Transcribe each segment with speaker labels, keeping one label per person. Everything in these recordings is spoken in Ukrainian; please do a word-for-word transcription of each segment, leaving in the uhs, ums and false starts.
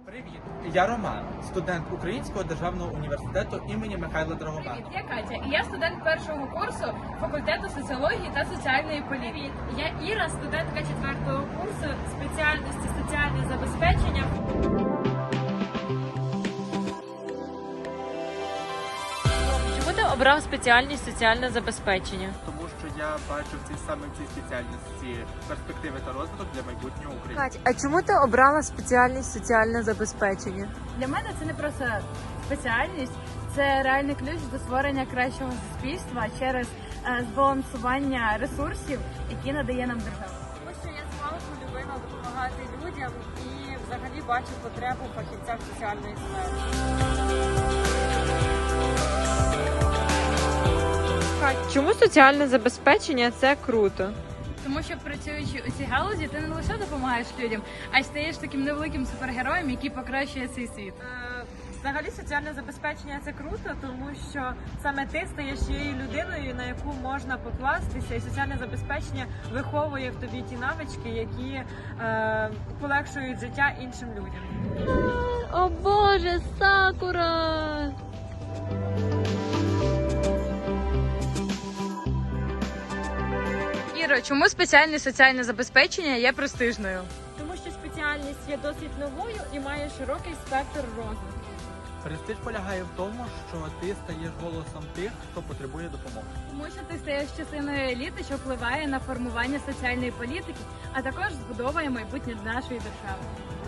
Speaker 1: Привіт, я Роман, студент Українського державного університету імені Михайла Драгомана.
Speaker 2: Привіт, я Катя, і я студент першого курсу факультету соціології та соціальної політики.
Speaker 3: Я Іра, студентка четвертого курсу спеціальності соціальне забезпечення. Чому ти обрав спеціальність соціальне забезпечення?
Speaker 1: Тому що я бачу в цій саме в цій спеціальності перспективи та розвиток для майбутнього України.
Speaker 4: Кать, а чому ти обрала спеціальність соціальне забезпечення?
Speaker 2: Для мене це не просто спеціальність, це реальний ключ до створення кращого суспільства через е, збалансування ресурсів, які надає нам держава.
Speaker 3: Тому що я змалку любила допомагати людям і взагалі бачу потребу в фахівцях соціальної сфери. Кать, чому соціальне забезпечення – це круто?
Speaker 2: Тому що працюючи у цій галузі, ти не лише допомагаєш людям, а й стаєш таким невеликим супергероєм, який покращує цей світ.
Speaker 3: Е, Взагалі соціальне забезпечення – це круто, тому що саме ти стаєш тією людиною, на яку можна покластися, і соціальне забезпечення виховує в тобі ті навички, які е, полегшують життя іншим людям.
Speaker 5: О Боже, Сакура!
Speaker 2: Іро, чому спеціальне соціальне забезпечення є престижною?
Speaker 3: Тому що спеціальність є досить новою і має широкий спектр розвитку.
Speaker 1: Престиж полягає в тому, що ти стаєш голосом тих, хто потребує допомоги.
Speaker 2: Тому що ти стаєш частиною еліти, що впливає на формування соціальної політики, а також збудовує майбутнє нашої держави.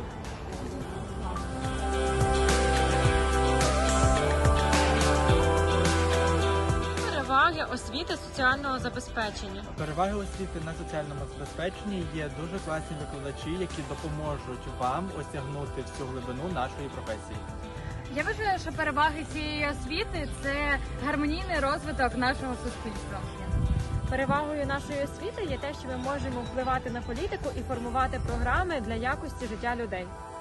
Speaker 3: Переваги освіти соціального забезпечення.
Speaker 1: Переваги освіти на соціальному забезпеченні є дуже класні викладачі, які допоможуть вам осягнути всю глибину нашої професії.
Speaker 2: Я вважаю, що переваги цієї освіти – це гармонійний розвиток нашого суспільства.
Speaker 3: Перевагою нашої освіти є те, що ми можемо впливати на політику і формувати програми для якості життя людей.